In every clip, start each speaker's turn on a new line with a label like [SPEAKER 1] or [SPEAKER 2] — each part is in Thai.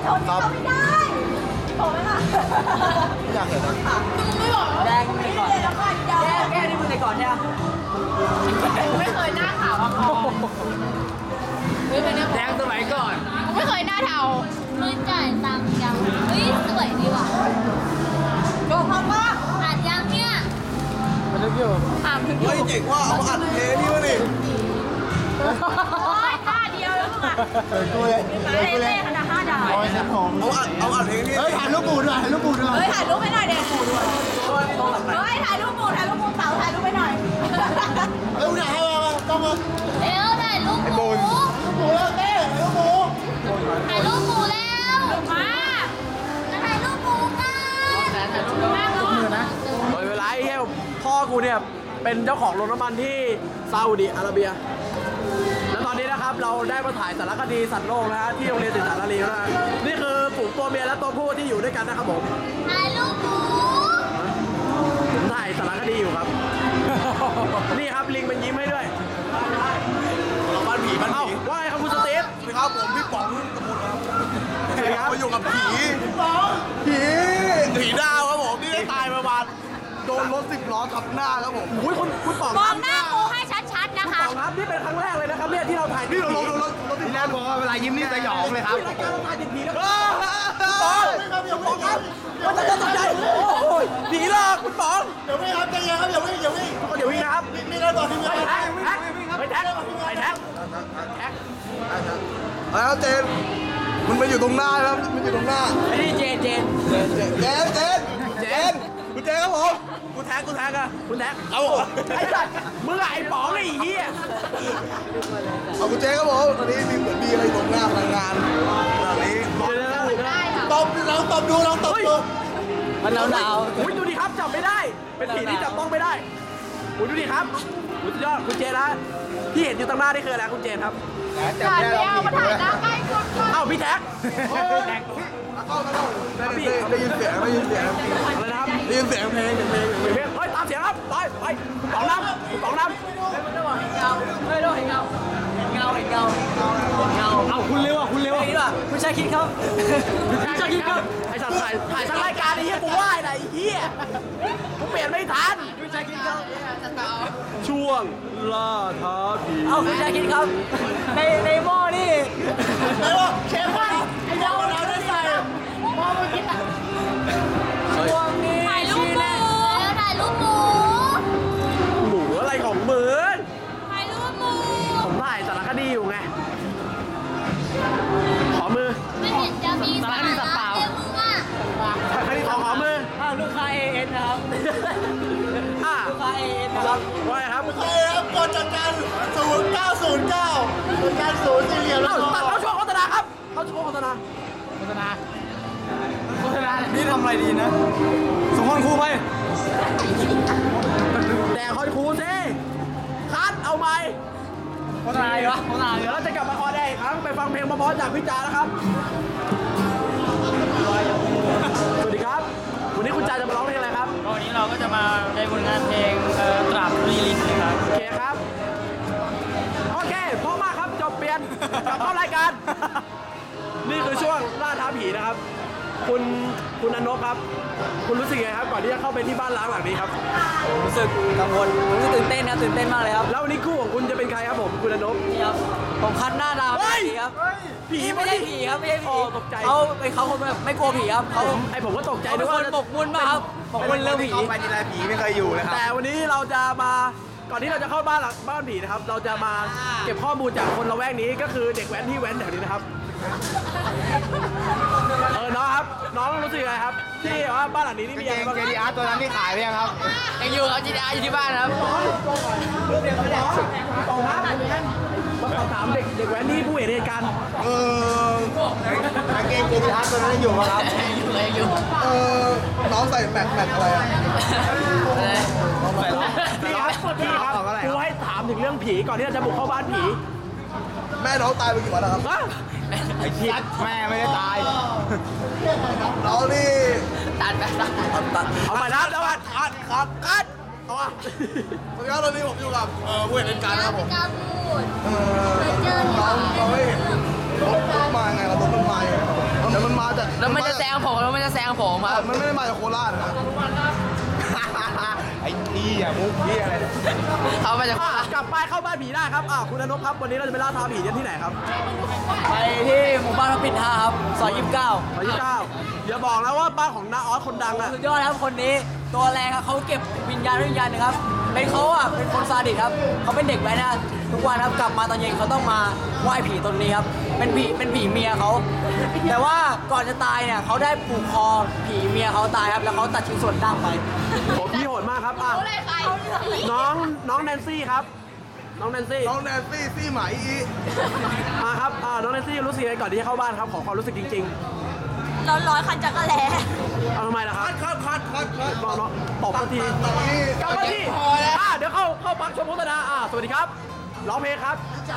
[SPEAKER 1] ครับไม่ได้โผล่ไหมล่ะอยากเห็นนะไม่บอกแดงมึงก่อนแก้นี่มึงก่อนใช่ไหมไม่เคยหน้าขาวมาก่อนแดงสมัยก่อนไม่เคยหน้าเทา
[SPEAKER 2] ไม่จ่ายตังค์ยังเฮ้ยสวยดีว่ะ
[SPEAKER 1] โดนพังมาก
[SPEAKER 2] อัดยังเนี่ย
[SPEAKER 1] มันลึกอยู่เฮ้ยเจ๋งว่าเอาอัดเทนี่วะนี่
[SPEAKER 2] โอ้ยท่าเดียวแล้วมึงอ่ะ
[SPEAKER 1] ตัว
[SPEAKER 2] เล่ขนาด5 ดาว
[SPEAKER 1] เอาอัดเทนี่เฮ้ยถ่ายรูปปูด้วยถ่ายรูปปูด้วย
[SPEAKER 3] เฮ้ยถ่ายรูปให้หน่อยเด็กเฮ้ยถ่ายรูปปูเต๋าถ่ายรูปให้หน่อย
[SPEAKER 1] เร็วหน่อยต้องมา
[SPEAKER 2] เร็วถ่ายรูปหมู
[SPEAKER 1] ปูแล้วเต้ถ่ายรูปปู
[SPEAKER 2] ถ่ายรูปหมูแล้วมาจะถ่ายรูปหมูกัน
[SPEAKER 4] โดยเวลาไอ้เหี้ยพ่อกูเนี่ยเป็นเจ้าของโรงน้ำมันที่ซาอุดิอาระเบียแล้วตอนนี้นะครับเราได้มาถ่ายสารคดีสัตว์โลกนะฮะที่โรงเรียนศึกษานารีนะฮะนี่คือฝูงตัวเมียและตัวผู้ที่อยู่ด้วยกันนะครับผม
[SPEAKER 2] ถ่ายรูปหมู
[SPEAKER 4] ผมถ่ายสารคดีอยู่ครับ นี่ครับลิงมันยิ้มให้ด้วย
[SPEAKER 1] บ้านผีบ้านผี
[SPEAKER 4] ว่าไงครับคุณสตีฟ
[SPEAKER 1] สวัสดีครับผมพี่ป๋องกระมุนครับ
[SPEAKER 4] สวัสดีครับ
[SPEAKER 1] มาอยู่กับผีดาวครับผมที่ได้ตายประมาณโดนรถ10 ล้อทับหน้าครับผม
[SPEAKER 4] อุ้ยคุณป๋อง
[SPEAKER 2] มองหน้าครูให้ชัดๆนะคะ
[SPEAKER 4] ป๋องครับนี่เป็นครั้งแรกเลยนะครับเนี่ยที่เราถ่าย
[SPEAKER 1] นี่เราลงรถที่แรกบอกว่าเวลายิ้มนี่สยองเลยครับ
[SPEAKER 4] รายการเราถ่ายติดผีแล้วป๋องครับมันจะตกใจโอ้ยผีหลอกคุณป๋อง
[SPEAKER 1] เดี๋ยววิ่งครับใจเย็นครับเดี๋ยววิ่ง
[SPEAKER 4] นะครับ
[SPEAKER 1] นี่ได้บอกทีมงาน
[SPEAKER 4] แท็ก
[SPEAKER 1] แล้วเจนมันมาอยู่ตรงหน้าครับมันอยู่ตรงหน้า
[SPEAKER 4] ไอ้นี่เจน
[SPEAKER 1] คุณเจนครับผม
[SPEAKER 4] กูแท็กอะคุณแท็กเอาไอ้สัตว์มึงไอ้ป๋องไอ้เหี้ย
[SPEAKER 1] เอาคุณเจนครับผมตอนนี้มีเหมือนมีอะไรตรงหน้าพนักงานตอนนี้ตบลองตบดู
[SPEAKER 4] มันหนาวอุ้ยดูดิครับจับไม่ได้เป็นผีที่จับต้องไม่ได้อุ้ยดูดิครับสุดยอดคุณเจนนะที่เห็นอยู่ตรงหน้านี่คืออะไรคุณเจนครับ
[SPEAKER 2] ถ่ายแล้วมาถ่ายหน้าใกล้สุด
[SPEAKER 4] เอ้าพี่แท็ก
[SPEAKER 1] ได้ยินเสียง
[SPEAKER 4] อะไรนะครับ
[SPEAKER 1] ได้ยินเสียงเพลง
[SPEAKER 4] เฮ้ยตามเสียงครับไปป๋องน้ำเอาคุณเร็วคุณชายคิดครับไอ้สัตว์ถ่ายทั้งรายการไอ้เหี้ยกูว่าไอ้เหี้ยกูเปลี่ยนไม่ทันคุณชายคิดครับช่วงล่าท้าผี
[SPEAKER 3] เอาคุณชายคิดครับในหม้อนี่
[SPEAKER 1] ไอ้วะเชฟไอ้เจ้าเราได้ใส่
[SPEAKER 2] หม้อมึงคิด
[SPEAKER 3] ช่วงนี้
[SPEAKER 2] ถ่ายรูปหมูถ่ายรูปหมู
[SPEAKER 4] หมูอะไรของมึง
[SPEAKER 2] ถ่ายรูปหมู
[SPEAKER 4] ผมถ่ายสารคดีอยู่ไงขอมือ
[SPEAKER 2] ไม่เห็นจะมีสารคดีสัตว์เปล่ามึงอ่ะ
[SPEAKER 4] สารคดีขอมือ
[SPEAKER 3] ลูกค้า AN นะครับลูกค้า AN นะครับ
[SPEAKER 4] ว่าไงครับ
[SPEAKER 1] กดจัดการ0909จัดการ0สี่เหลี่ยมแล้ว
[SPEAKER 4] เขาช่วงโฆษณาครับเขาช่วงโฆษณา
[SPEAKER 1] นี่ทำอะไรดีนะส่งคนครูไป
[SPEAKER 4] แต่คอนครูสิคัดเอาไหม
[SPEAKER 3] โฆษณาเหรอ
[SPEAKER 4] เดี๋ยวเราจะกลับมาคอได้อีกครั้งไปฟังเพลงเพราะๆจากพี่จานะครับสวัสดีครับวันนี้คุณจาจะมาร้องเพลงอะไรครับ
[SPEAKER 3] วันนี้เราก็จะมาในผลงานเพลงตราบรีลินนะครับ
[SPEAKER 4] โอเคครับโอเคพร้อมมากครับจบเปลี่ยนกลับเข้ารายการนี่คือช่วงล่าท้าผีนะครับคุณอนนท์ครับคุณรู้สึกไงครับก่อนที่จะเข้าไปที่บ้านล้างหลังนี้ครับ
[SPEAKER 3] รู้สึกกังวลรู้สึกตื่นเต้นมากเลยครับ
[SPEAKER 4] แล้ววันนี้คู่ของคุณจะเป็นใครครับผมคุณอนนท์
[SPEAKER 3] นี่ครับผมคัดหน้าดาวผีครับ
[SPEAKER 4] ผี
[SPEAKER 3] ไม่ใช่ผีครับไม่ใช่ผี
[SPEAKER 4] ตกใจ
[SPEAKER 3] เขาคนแบบไม่กลัวผีครับเขา
[SPEAKER 4] ผมก็ตกใจ
[SPEAKER 3] ด้วยว่าหมกมุ่นมากครับหมกมุ่นเรื่องผี
[SPEAKER 1] ไปทีไรผีไม่เคยอยู่เลยครับ
[SPEAKER 4] แต่วันนี้เราจะมาก่อนที่เราจะเข้าบ้านผีนะครับเราจะมาเก็บข้อมูลจากคนละแวกนี้ก็คือเด็กแว้นที่แว้นแถวนี้นะครับน้องครับน้องรู้สึกไงครับที่ว่าบ้านหลังนี้นี่มีอะไรบ้าง
[SPEAKER 1] JDR ตัวนั้นที่ขายไปยังครับ
[SPEAKER 3] ยังอยู่ครับ JDR อยู่ที่บ้านครับ
[SPEAKER 4] มาสอบถามเด็กแว้นที่ผู้เห็นเหตุการณ์
[SPEAKER 1] กางเกง JDR ตัวนั้นอยู่ไหมครับ
[SPEAKER 3] อยู่
[SPEAKER 1] น้องใส่แมทอะไรอ่ะ
[SPEAKER 4] พี่ครับครูให้ถามถึงเรื่องผีก่อนที่เราจะบุกเข้าบ้านผี
[SPEAKER 1] แม่น้องตายไปกี่วันแล้วครับ
[SPEAKER 4] ไอ้เหี้ย
[SPEAKER 1] แม่ไม่ได้ตายน้องนี่
[SPEAKER 3] ตัด
[SPEAKER 4] เอาไปนะแล้ว
[SPEAKER 1] ครับเอาอ่ะสวัสดีครับตอนนี้ผมอยู่กับผู้เห็นเหตุการณ์นะครับผมน้องไม่เห็นรถมาไงเรารถมันมาเดี๋ยวมันมา
[SPEAKER 5] จาก
[SPEAKER 4] แล้วมันจะแซงผมครับ
[SPEAKER 5] มันไม่ได้มาจากโคราชนะไอ้นี่อะมุกนี่อะไร
[SPEAKER 4] เขามาจาก
[SPEAKER 6] กลับไปเข้าบ้านผีได้ครับคุณอนพครับวันนี้เราจะไปล่าท้าผีกันที่ไหนครับ
[SPEAKER 4] ไปที่หมู่บ้านพระปิ่นท่าครับซอย29
[SPEAKER 6] 29อย่าบอกนะว่าบ้านของน้าออสคนดังอะ
[SPEAKER 4] สุดยอดครับคนนี้ตัวแรงครับเขาเก็บวิญญาณนะครับเป็นเขาอ่ะเป็นคนซาดิสครับเขาเป็นเด็กแว้นนะทุกวันครับกลับมาตอนเย็นเขาต้องมาไหว้ผีตนนี้ครับเป็นผีเมียเขาแต่ว่าก่อนจะตายเนี่ยเขาได้ผูกคอผีเมียเขาตายครับแล้วเขาตัดชิ้นส่วนดั้งไป
[SPEAKER 6] โหพี่โหดมากครับน้องแนนซี่ครับน้องแนนซี่
[SPEAKER 5] น้องแนนซี่ซี่ไหมอี
[SPEAKER 6] ครับน้องแนนซี่รู้สึกยังไงก่อนที่จะเข้าบ้านครับขอความรู้สึกจริง
[SPEAKER 3] ร้อนๆคันจักรแล
[SPEAKER 6] ๆเอาทำไมล่ะครับ
[SPEAKER 5] คัด
[SPEAKER 6] น้องตบสักที
[SPEAKER 5] ตอนนี้
[SPEAKER 6] กลับมาที่เดี๋ยวเข้าพักชมโฆษณาสวัสดีครับร้องเพลงครับ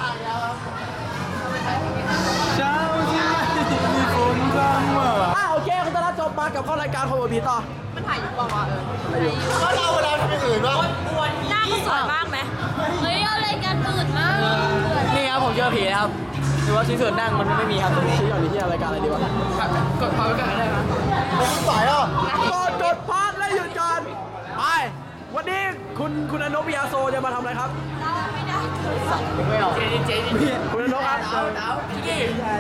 [SPEAKER 6] เช้าที่มีฝนพรำโอเคคุณตลาดจบมากับเข้ารายการคนอวดผีต่อ
[SPEAKER 3] มันถ่ายอยู่เปล่าวะ
[SPEAKER 5] แล้วเราเวลาทำอย่างอื่นบ้าง
[SPEAKER 3] หน้าก็สวยมากไหม
[SPEAKER 2] เฮ้ยเอารายการตื่นมาก
[SPEAKER 4] นี่ครับผมเจอผีนะครับหรือว่าชิ้นส่วนดั้งมันไม่มีครับตรงนี้
[SPEAKER 6] ชี้ก่อนนี่ที่รายการอะไรดีวะ
[SPEAKER 4] กดพาวกันได้ไหม
[SPEAKER 5] สายอ่ะ
[SPEAKER 6] กดพาร์ทและหยุดก่อนไปวันนี้คุณอนพยาโซจะมาทำอะไรครับ
[SPEAKER 4] ไม่ออกเจ๊
[SPEAKER 6] คุณอนพครับ
[SPEAKER 4] พี่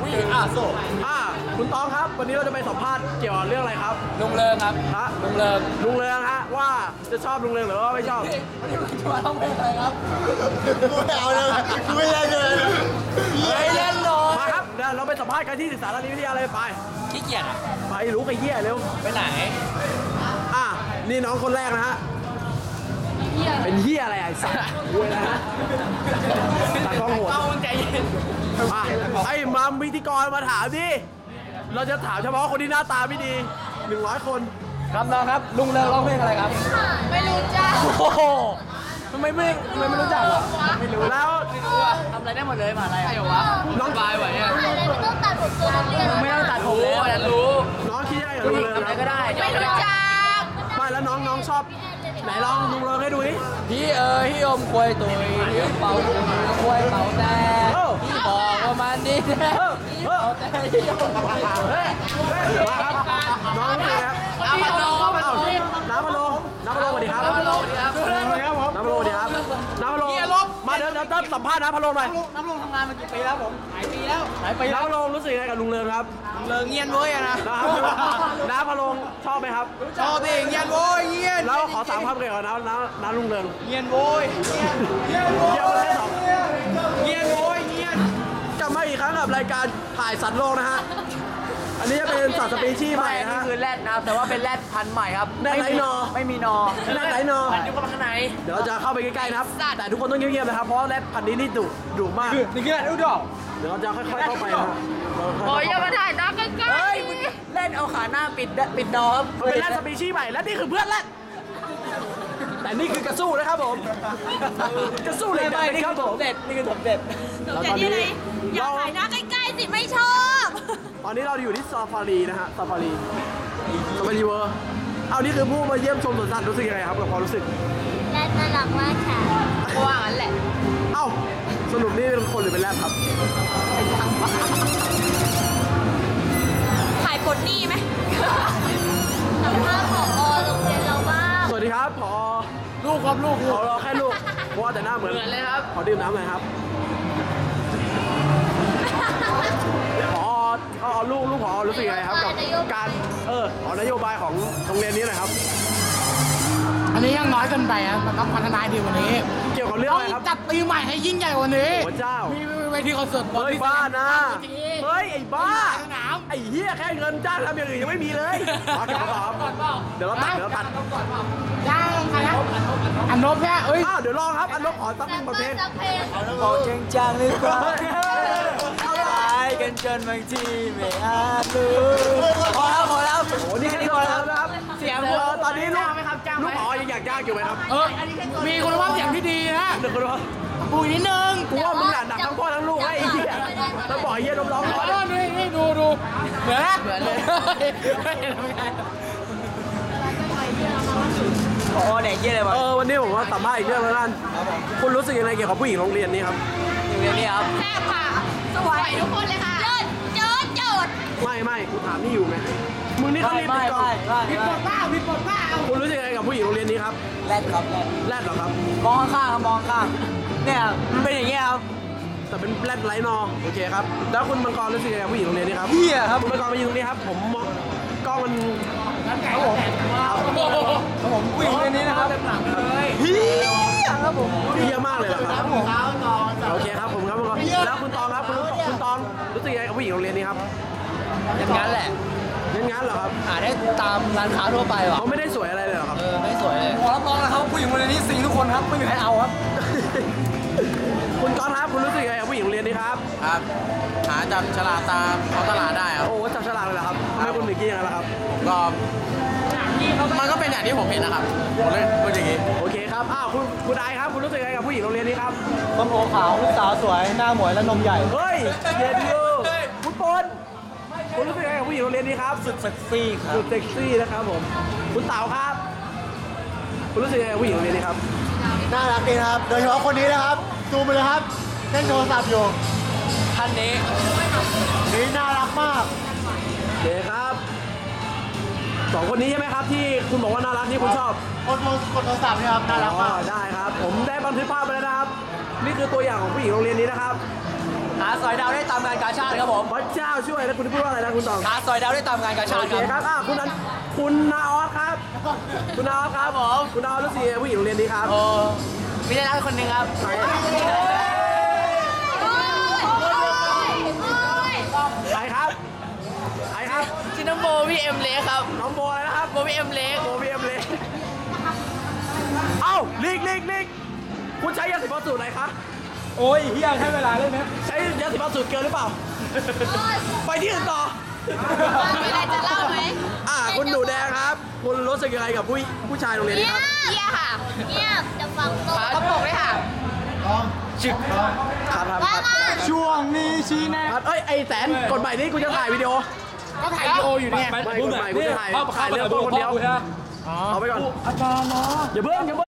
[SPEAKER 6] คุณต้องครับ วันนี้เราจะไปสัมภาษณ์เกี่ยวกับเรื่องอะไรครับ
[SPEAKER 4] ลุงเลิงครับ
[SPEAKER 6] ฮะ
[SPEAKER 4] ลุงเลิง
[SPEAKER 6] ลุงเรืองฮะว่าจะชอบลุงเรืองหรือว่าไม่ชอบ
[SPEAKER 4] มาต้องเป็นอะไรครับ
[SPEAKER 5] ไม่เอาเลยไม่เล่นเลย
[SPEAKER 4] ไม่เล่นหรอก
[SPEAKER 6] มาครับเดี๋ยวเราไปสัมภาษณ์กันที่ศึกษาธิวิทยาเลยไป
[SPEAKER 4] ขี้เกียจอ่ะ
[SPEAKER 6] ไปรู้ไปเหี้ยเร็ว
[SPEAKER 4] ไปไหน
[SPEAKER 6] นี่น้องคนแรกนะฮะเป็นเหี้ยอะไรไอ้สัสเว้ยนะฮะตากล้องโหด
[SPEAKER 4] เอาใจเย็น
[SPEAKER 6] ไอ้มัมพิธีกรมาถามดิเราจะถามเฉพาะคนที่หน้าตาไม่ดี100 คน
[SPEAKER 4] ครับน้องครับ ลุงเลิงร้องเพลงอะไรครับ
[SPEAKER 2] ไม่รู้จ้า
[SPEAKER 4] โอ้โหทำไมไม่รู้จักอ่ะ
[SPEAKER 6] แล้ว
[SPEAKER 4] ทำอะไรได้หมดเลยมาอะไรใช่เหรอวะน้องบายไหวอ่ะ
[SPEAKER 2] อะไรไม่ต้องตัดผมตัวนักเรียน
[SPEAKER 4] ไม่ต้องตัดผมแล้วฉันรู้
[SPEAKER 6] น้องคิดยังไงกับลุงเรือง
[SPEAKER 4] ทำอะไรก็ได้
[SPEAKER 3] ไม่รู้จัก
[SPEAKER 6] ไม่แล้วน้องชอบไหนลองลุงเรืองให้ดูดิ
[SPEAKER 4] พี่พี่อมควยตุยพี่เป่าควยเป่าแต่พี่บอกว่ามันดีแท้พี่เป่าแต่พี่อมควยตุย
[SPEAKER 6] มาครับน้องนี่ครับน้ำพะโล้น้ำพะโล้สวัสดีครับน้ำพะโล้สวัสดีครับน้ำพะโล้สวัสดีครับน้ำพะโล้มาเดี๋ยวสัมภาษณ์น้ำพะโล้หน่อย
[SPEAKER 4] น้ำลงทำงานมากี่ปีแล้วผมหลายปีแล้ว
[SPEAKER 6] น้ำพะโล้รู้สึกยังไงกับลุงเรืองครับ
[SPEAKER 4] เลิงเงียนเว้ยอะนะ
[SPEAKER 6] น้ำพะโล้ชอบไหมครับ
[SPEAKER 4] ชอบดิเงียนโว้ยเงียน
[SPEAKER 6] แล้วขอ3 คำเกี่ยวกับน้ำลุงเรือง
[SPEAKER 4] เงียนโว้ย
[SPEAKER 6] เยี่ยมเลยสอง
[SPEAKER 4] เงียนโว้ยเงียน
[SPEAKER 6] กลับมาอีกครั้งกับรายการถ่ายสัตว์โลกนะฮะอันนี้จะเป็นสัตว์สปีชีส์ใหม่
[SPEAKER 4] นี่
[SPEAKER 6] นะฮะ
[SPEAKER 4] คือแรดนะครับแต่ว่าเป็นแรดพันธุ์ใหม่ครับ
[SPEAKER 6] แรดไร้นอ
[SPEAKER 4] ไม่มีนอ
[SPEAKER 6] แรดไร้นอ
[SPEAKER 4] พันธุ์อยู่ข้างใน
[SPEAKER 6] เดี๋ยวเราจะเข้าไปใกล้ๆนะครับ แต่ทุกคนต้องเงียบๆนะครับ เพราะว่าแรดพันธุ์นี้นี่ดุมาก
[SPEAKER 4] นี่คือแรดอุดร
[SPEAKER 6] เดี๋ยวเราจะค่อยๆเข้าไปนะฮะ
[SPEAKER 2] โอ้ยอย่ามาถ่ายหน้าใกล้
[SPEAKER 4] เฮ้ยมึงเล่นเอาขาหน้าปิดนอครับ
[SPEAKER 6] มันเป็นแรดสปีชีส์ใหม่ และนี่คือเพื่อนแรดแต่นี่คือกระสู้นะครับผม กระสู้เหลย
[SPEAKER 4] ไม่
[SPEAKER 6] นี่
[SPEAKER 4] นี่
[SPEAKER 6] ค
[SPEAKER 4] คื
[SPEAKER 6] รั
[SPEAKER 4] อบ
[SPEAKER 6] ผ
[SPEAKER 4] ผม มเด็ดนี่คือผมเด็ด
[SPEAKER 6] แล้ว
[SPEAKER 3] แต่
[SPEAKER 6] ตอน
[SPEAKER 3] ที่
[SPEAKER 6] นี้
[SPEAKER 3] ไหนอยากถ่ายหน้าใกล้ๆสิไม่ชอบ
[SPEAKER 6] ตอนนี้เราอยู่ที่ซาฟารีนะฮะซาฟารีเวอร์เอานี่คือผู้มาเยี่ยมชมสวนสัตว์รู้สึกยังไงครับกับความรู้สึก
[SPEAKER 2] ๆและน่ารักมากค่ะ
[SPEAKER 3] ว่างั้นแหละ
[SPEAKER 6] เอ้าสรุปนี่เป็นคนหรือเป็นแรดครับ
[SPEAKER 3] ถ่ายปลดหนี้ไหม
[SPEAKER 2] สัมภาษณ์ผอโรงเรียนเราบ้าง
[SPEAKER 6] สวัสดีครับพอ
[SPEAKER 4] ลูกครับลูก
[SPEAKER 6] ขอรอแค่ลูกเพราะว่าแต่หน้าเหมือน
[SPEAKER 4] เลยครับ
[SPEAKER 6] ขอดื่มน้ำหน่อยครับพอเอาลูกพอรู้สึกยังไงครับกับการนโยบายของโรงเรียนนี้หน่อยครับ
[SPEAKER 7] อันนี้ยังน้อยเกินไปครับมันต้องพัฒนาดีกว่านี้
[SPEAKER 6] เกี่ยวกับเรื่อง
[SPEAKER 7] ต้อ
[SPEAKER 6] อะไร
[SPEAKER 7] ง
[SPEAKER 6] ครับ
[SPEAKER 7] จัดปีใหม่ให้ยิ่งใหญ่กว่านี้
[SPEAKER 6] พระเจ้า
[SPEAKER 7] มีเวทีคอนเสิร์ต
[SPEAKER 6] เฮ้ยบ้านะเฮ้ยไอ้บ้า
[SPEAKER 7] สนาม
[SPEAKER 6] ไอ้เหี้ยแค่เงินจ้างทำอย่างอื่นยังไม่มีเลยมากับต่อครับเดี๋ยวเราตัด
[SPEAKER 7] จ้างใครนะอันนบเนี่ยเอ้ย
[SPEAKER 6] เดี๋ยวลองครับอันนบขอสักหนึ่งบทเพลง
[SPEAKER 2] สักเพลง
[SPEAKER 4] บอกจริงจังหรือเปล่าตายกันจนบางทีไม่อาจรู้พอแล้ว
[SPEAKER 6] โอ้นี่แค่นี้พอแล้วนะครับ
[SPEAKER 4] เสียง
[SPEAKER 6] ตอนนี้ลูก
[SPEAKER 4] ไหมครับจ้างไหม
[SPEAKER 6] ลูกอ๋อยังอยากจ้างอยู่ไหมครับ
[SPEAKER 7] มีคุณภาพเสียงที่ดีนะ
[SPEAKER 6] เดี๋ยวคุณว่า
[SPEAKER 7] ปูอีกนิดนึง
[SPEAKER 6] กูว่ามึงหนักทั้งพ่อทั้งลูกไอ้เหี้ยแล้วบอกไอ้เหี้ยร้อง
[SPEAKER 7] ขอโทษนี่ดูเหมือนนะ
[SPEAKER 4] เหมือนเลย พอเด็กเยี่ยเลยมา
[SPEAKER 6] วันนี้ผมว่าสัมภาษณ์อีกเรื่องแล้วกันคุณรู้สึกยังไงเกี่ยวกับผู้หญิงโรงเรียนนี้ครับ
[SPEAKER 4] อยู่เรียนนี่ครับ
[SPEAKER 3] แซ่บค่ะ สวยทุกคนเลยค่ะ
[SPEAKER 2] โจด
[SPEAKER 6] ไม่กูถามนี่อยู่ไงมึงนี่เขาเรียนติดกอง
[SPEAKER 7] ผิดบทเปล่าผิดบทเปล่า
[SPEAKER 6] คุณรู้สึกยังไงกับผู้หญิงโรงเรียนนี้ครับ
[SPEAKER 4] แรดครับแรด
[SPEAKER 6] แรดเหรอครับ
[SPEAKER 4] มองข้างๆครับมองข้างเนี่ยมันเป็นอย่างเงี้ยครับ
[SPEAKER 6] แต่เป็นแรดไร้นอโอเคครับแล้วคุณมังกรรู้สึกยังไงกับผู้หญิงโรงเรียนนี้ครับ
[SPEAKER 4] เหี้ยครับ
[SPEAKER 6] คุณมังกรมายืนตรงนี้ครับผมมองกล้องมัน
[SPEAKER 4] ผมผู้หญิงคนนี้นะครับเฮียครับผม
[SPEAKER 6] เยอะมากเลยเหรอครับโอเคครับผมครับมังกรแล้วคุณตองครับคุณตองรู้สึกยังไงกับผู้หญิงโรงเรียนนี้ครับ
[SPEAKER 4] อย่างนั้นแหละ
[SPEAKER 6] งั้นเหรอครับ
[SPEAKER 4] หาได้ตามร้านค้าทั่วไปว่ะ
[SPEAKER 6] เขาไม่ได้สวยอะไรเลยเหรอครับ
[SPEAKER 4] ไม่สวยเลยขอรับรองนะครับผู้หญิงคนนี้ซิงทุกคนครับไม่มีใครเอาครับ
[SPEAKER 6] คุณก๊อตครับคุณรู้สึกยังไงกับผู้หญิงโรงเรียนนี้ครับ
[SPEAKER 5] ครับหาจับฉลากตามท้องตลาดได้ครับ
[SPEAKER 6] โอ้จับฉลากเลยเหรอครับทำไมคุณถึงคิดอย่างนั้นล่ะครับ
[SPEAKER 5] ก็มันก็เป็นอย่างที่ผมเห็นนะครับผมเลยพูดอย่างนี้
[SPEAKER 6] โอเคครับอ้าวคุณไอครับคุณรู้สึกยังไงกับผู้หญิงโรงเรียนนี้ครับ
[SPEAKER 4] ต้นโอขาวลูกสาวสวยหน้าหมวยและนมใหญ่
[SPEAKER 6] เฮ้ยเย็นอยู่คุณปนคุณรู้สึกยังไงกับผู้หญิงโรงเรียนนี้ครับสุด
[SPEAKER 4] เซ็กซี่ครับ
[SPEAKER 6] สุดเซ็กซี่นะครับผมคุณเต๋าครับ คุณรู้สึกยังไงกับผู้หญิงโรงเรียนนี้ครับ
[SPEAKER 5] น่ารักดีนะครับ โดยเฉพาะคนนี้นะครับซูมไปเลยครับเล่นโทรศัพท์อยู่
[SPEAKER 4] ท่านนี้
[SPEAKER 5] นี่น่ารักมาก
[SPEAKER 6] โอเคครับสองคนนี้ใช่ไหมครับที่คุณบอกว่าน่ารักที่คุณชอบ
[SPEAKER 5] กดโทรศัพท์เนี่ยครับน่ารักมาก
[SPEAKER 6] อ๋อได้ครับ ผมได้บันทึกภาพไปแล้วนะครับ นี่คือตัวอย่างของผู้หญิงโรงเรียนนี้นะครับ
[SPEAKER 4] หาสอยดาวได้ตามงานกาชาติครับผม
[SPEAKER 6] พระเจ้าช่วยแล้วคุณพูดว่าอะไรนะคุณตอง
[SPEAKER 4] หาสอยดาวได้ตามงานกาชา
[SPEAKER 6] โอ
[SPEAKER 4] ติ
[SPEAKER 6] เค
[SPEAKER 4] ครับ
[SPEAKER 6] ครับคุณนาออสครับ คุณนาออสครับผมคุณนาออสรู้สึกยังไงผู้หญิงโรงเรียนนี้ครับ
[SPEAKER 4] โอ้มีได้รักคนหนึ่งครับ
[SPEAKER 6] ใครครับใครครับ
[SPEAKER 4] ชื่อน้องโบวี่เอ็มเล็กครับ
[SPEAKER 6] น้องโบอะไรนะครับ
[SPEAKER 4] โบวี่เอ็มเล็ก
[SPEAKER 6] โบวีเอ็มเลยเอ้าลีกคุณใช้ยาสีฟันสูตรไหนคะ
[SPEAKER 4] โอ้ยเฮียใช้เวลาเล่นไหม
[SPEAKER 6] ใช้ยาสีฟันสูตรเกินหรือเปล่า ไปที่อื่นต่อ
[SPEAKER 2] มีอะไรจะเล่าไหม
[SPEAKER 6] คุณหนูแดงครับ คุณรู้สึกยังไงกับผู้ชายโรงเรียนนี้ครับ
[SPEAKER 2] เงียบค่ะเงียบจะฟังตัว
[SPEAKER 4] กระโปรงเลยค่ะ
[SPEAKER 6] ครับ
[SPEAKER 2] ว่ามา
[SPEAKER 4] ช่วงนี้ชี้แนะ
[SPEAKER 6] เอ้ยไอแสนกดใหม่นี่กูจะถ่ายวิดีโอ
[SPEAKER 7] ก็ถ่ายวิดีโออยู่เนี่ย
[SPEAKER 6] ไม่กดใหม่กูจะถ่ายเรื่องต้นคนเดียวเอาไปก่อน
[SPEAKER 7] อาจารย์เนาะ
[SPEAKER 6] อย่าเพิ่ง